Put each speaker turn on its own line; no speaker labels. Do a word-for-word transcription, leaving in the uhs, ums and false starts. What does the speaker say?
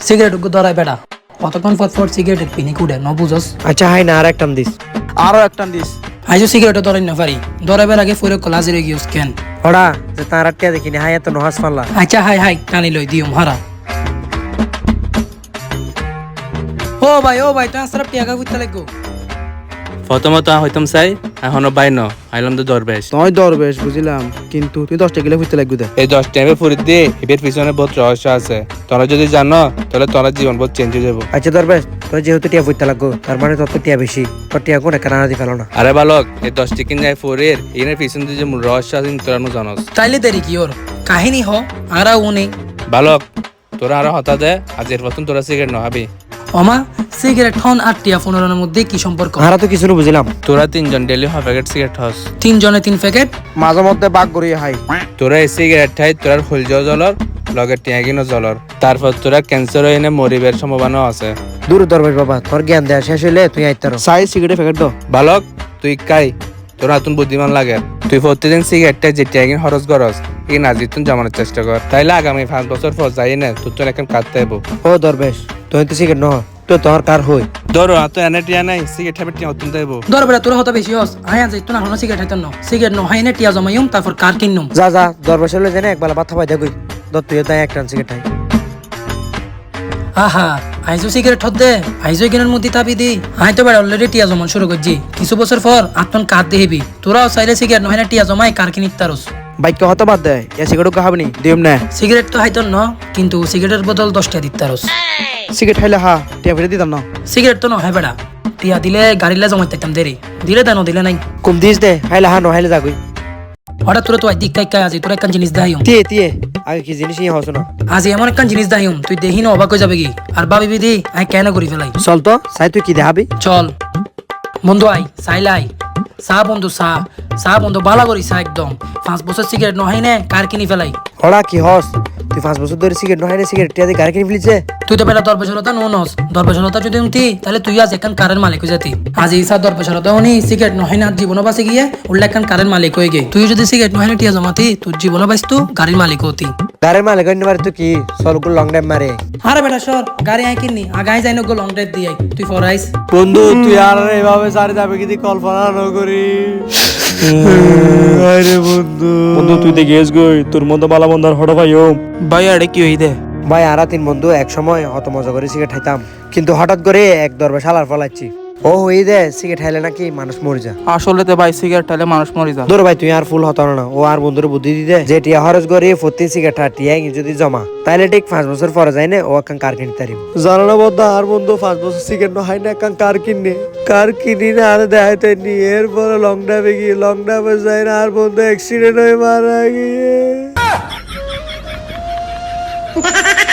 Cigarette গো ধরাই বেটা কতক্ষণ পর পর সিগারেটের পিনি কুড়ে ন বুঝস।
আচ্ছা হাই না আর একটান দিস।
আরো একটা দিস।
আইজো সিগারেট ধরাই না পারি ধরাইবার আগে ফুরে কলাজিরে গিয়েস কেন
ওরা যে তার আটটা দেখিনি হাই এত নহাস পাল্লা।
আচ্ছা হাই হাই টানি লই দিও হারা। ও ভাই ও ভাই ট্রান্সফার টিয়াকা কইতে লাগো।
প্রথমত হইতাম চাই এখনো বাই ন আইলাম তো দরবেশ।
তুই দরবেশ বুঝিলাম, কিন্তু তুই দশটা গেলে ফুটতে লাগবে দে।
এই দশ টাইমে ফুরি দিয়ে এর পিছনে বহুত রহস্য আছে, তোরা যদি জানো তাহলে তোরা জীবন বহুত চেঞ্জ হয়ে যাবো।
আচ্ছা দরবেশ তোর যেহেতু টিয়া ফুটতে লাগবো তার মানে তোর তো টিয়া বেশি, তোর টিয়া কোন একটা রানা দি ফেলো না।
আরে বালক এই দশ টিকিন যায় ফুরির এর পিছনে যে মূল রহস্য আছে তোরা নু জানোস।
তাইলে দেরি কি ওর কাহিনী হ আরা উনি
বালক তোরা আরো হতা দে আজ এর প্রথম তোরা সিগারেট নহাবি।
ওমা সিগারেট হন আর টিয়া ফোনের মধ্যে কি সম্পর্ক?
হারা তো কিছু না বুঝলাম।
তোরা তিনজন ডেলি হাফ প্যাকেট সিগারেট হস,
তিনজনে তিন প্যাকেট
মাঝে মধ্যে বাঘ গড়িয়ে হাই।
তোরা এই সিগারেট খাই তোরা হলজ জলর লগে টিয়াগিনো জলর, তারপর তোরা ক্যান্সার হয়ে মরিবের সম্ভাবনা আছে।
দূর দরবেশ বাবা তোর জ্ঞান দেয়া শেষ হইলে তুই আইতার।
সাই সিগারেট প্যাকেট দাও।
বালক তুই কাই তোর নতুন বুদ্ধিমান লাগে, তুই প্রতিদিন সিগারেটটা যে টিয়াগিন খরচ করস এই নাজিতুন জমানোর চেষ্টা কর, তাইলে আগামী পাঁচ বছর পর যাই না তোর তো এখন কাটতে আইব।
ও দরবেশ তুই তো সিগারেট নহ তো তোর কার হই
ধরো তো এনে টিয়া নাই সিগারেট খাবে টিয়া অত্যন্ত আইব।
ধর বেটা তোর হতা বেশি হস আয়া যাই তো না হলো সিগারেট হাইতাম ন সিগারেট ন হাইনে টিয়া জমাইম তারপর কার কিনুম।
যা যা দরবেশ হলে জানে একবেলা ভাত খাবাই দেখুই দর তুই তাই একটা সিগারেট খাই।
আহা আইজো সিগারেট হত দে আইজো কিনার মধ্যে তাবি দি আই তো বেড়া অলরেডি টিয়া জমান শুরু করছি কিছু বছর পর আত্মন কার দেহিবি তোরাও চাইলে সিগারেট নহয় না টিয়া জমাই কার কিনিত তারস।
বাইক হতে বাদ দে, এ সিগারেট খাবি নি দিম না।
সিগারেট তো হাইতন ন কিন্তু সিগারেটের বদল দশটা দিত তারস।
সিগারেট খাইলে হা টিয়া ফিরে দিতাম না।
সিগারেট তো নহয় বেড়া টিয়া দিলে গাড়িলে জমাই তাইতাম দেরি দিলে দেন দিলে নাই
কম দিস দে হাইলে হা নহাইলে যাগুই।
হঠাৎ তোরা তো আই দিক কাই কাই আজি তোরা একখান জিনিস দাহিম
তিয়ে তিয়ে আগে কি জিনিস নিয়ে হস না।
আজি এমন একখান জিনিস দাহিম তুই দেহি না অবাক হয়ে যাবে কি আর ভাবিবি দি আই কেন করি ফেলাই।
চল তো সাই তুই কি দেখাবি।
চল বন্ধু আই চাইলাই চা বন্ধু চা চা বন্ধু বালা করি চা একদম পাঁচ বছর সিগারেট নহয় নে কার কিনি ফেলাই।
হড়া কি হস তুই পাঁচ বছর ধরে সিগারেট নহাইলে সিগারেট টিয়া দিয়ে গাড়ি কিনে ফেলিছে।
তুই তো বেটা দরবেশলতা নো নস দরবেশলতা যদি উঠি তাহলে তুই আজ এখান কারের মালিক হয়ে যাতি। আজ ইসা দরবেশলতা উনি সিগারেট নহয় না জীবন বাঁচে গিয়ে উল্লে এখান কারের মালিক হয়ে গে তুই যদি সিগারেট নহয় না টিয়া জমাতি তোর জীবন বাঁচতো গাড়ির মালিক হতি।
গাড়ির মালিক অন্য মারে তুই কি সলগুলো লং ড্রাইভ মারে।
আরে বেটা সর গাড়ি আই কিনি আগাই যাই নগো লং ড্রাইভ দিয়ে তুই ফরাইস।
বন্ধু তুই আর এভাবে সারি যাবে কি কল্পনা না করি। আরে বন্ধু
বন্ধু তুই তো গেছ গই তোর মধ্যে বালা বন্ধার হঠাৎ ভাই ওম
ভাই আরে কি হই দে।
ভাই আরা তিন বন্ধু এক সময় অত মজা করে সিগারেট খাইতাম কিন্তু হঠাৎ করে এক দরবে শালার ফলাচ্ছি ও হই দে সিগারেট খাইলে নাকি মানুষ মরে যায়।
আসলে তো ভাই সিগারেট খাইলে মানুষ মরে যায়।
ধর ভাই তুই আর ফুল হতো না ও আর বন্ধুর বুদ্ধি দিতে যে টিয়া খরচ করে প্রতি সিগারেট টিয়া যদি জমা তাইলে ঠিক পাঁচ বছর পরে যায় না ও একখান কার কিনতে পারিব। জানো না বন্ধু আর বন্ধু পাঁচ বছর সিগারেট না হয় না একখান কার কিনে কার কিনি না আর দেখাইতে নি এরপরে লং ড্রাইভে গিয়ে লং ড্রাইভে যায় না আর বন্ধু অ্যাক্সিডেন্ট হয়ে মারা গিয়ে